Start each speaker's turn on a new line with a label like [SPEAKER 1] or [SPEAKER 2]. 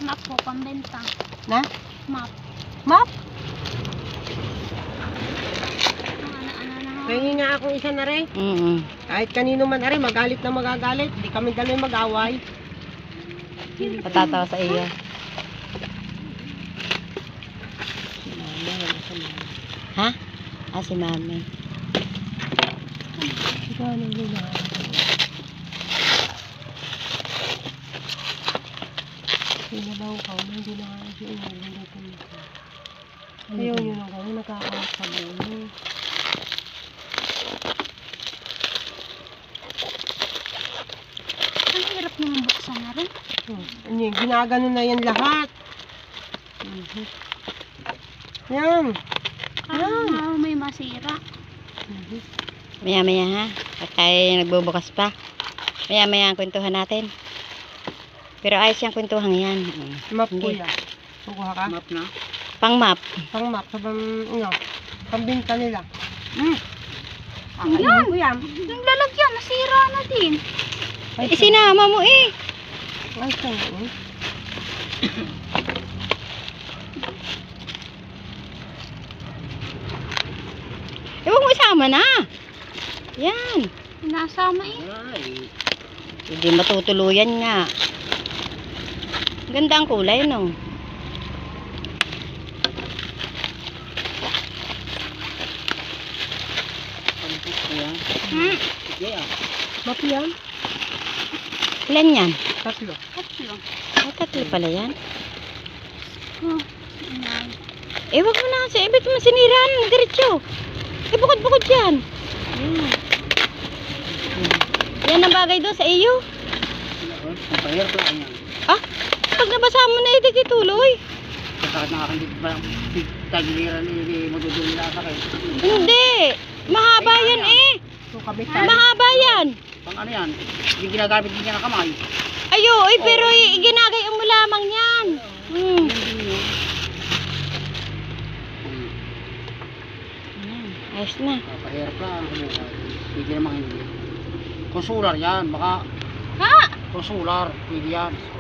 [SPEAKER 1] Map po, pambenta.
[SPEAKER 2] Na?
[SPEAKER 1] Map.
[SPEAKER 2] Map?
[SPEAKER 1] Ano.
[SPEAKER 2] Kaya nga akong isa na rin. Kahit kanino man ari, magalit na magagalit. Hindi kami dalawa mag-away.
[SPEAKER 3] Patatawa sa iyo. Ha? Ah, si mami.
[SPEAKER 2] Gano'n nila. Sinabaw ka, hindi na kaya siya inulong ko nito. Ayaw nyo lang kami, nakakawas sa bulo.
[SPEAKER 1] Ang hirap naman buksan na rin.
[SPEAKER 2] Ano yun, ginagano na yan lahat. Yan.
[SPEAKER 1] Parang may masira.
[SPEAKER 3] Maya-maya ha. At tayo nagbubukas pa. Maya-maya ang kwentuhan natin. Pero ayos yung kwentuhan yan.
[SPEAKER 2] Map ko
[SPEAKER 3] Hindi.
[SPEAKER 2] yan. Kukuha ka? Map na?
[SPEAKER 3] Pang map.
[SPEAKER 2] Pang map, sa pambinta nila.
[SPEAKER 1] Yan. Yung lalagyan, nasira na din.
[SPEAKER 3] Isinama mo eh.
[SPEAKER 2] Ay, saan yun?
[SPEAKER 3] Huwag mo isama na. Yan.
[SPEAKER 1] Nasama eh.
[SPEAKER 3] Hindi matutuluyan nga. Ganda ang kulay, no?
[SPEAKER 2] Map yan?
[SPEAKER 3] Ilan yan?
[SPEAKER 2] Tatlo.
[SPEAKER 1] Tatlo.
[SPEAKER 3] Ay, tatlo pala yan.
[SPEAKER 1] Oh,
[SPEAKER 3] Wag mo na kasi. Ibig mo siniraan. Diretso. Bukod-bukod yan. Yan ang bagay doon sa iyo. Ah, pag nabasa mo na ito tuloy. Hindi. Mahaba yan eh.
[SPEAKER 2] So, kabitan.
[SPEAKER 3] Mahaba yan.
[SPEAKER 4] Pang ano yan? Hindi ginagamit din niya ng kamay.
[SPEAKER 3] Ayo, pero ginagay mo lamang yan. Ayos na.
[SPEAKER 4] Papahirap lang. Hindi naman hindi. Kung solar yan, baka
[SPEAKER 1] Ha?
[SPEAKER 4] kung solar, pwede yan.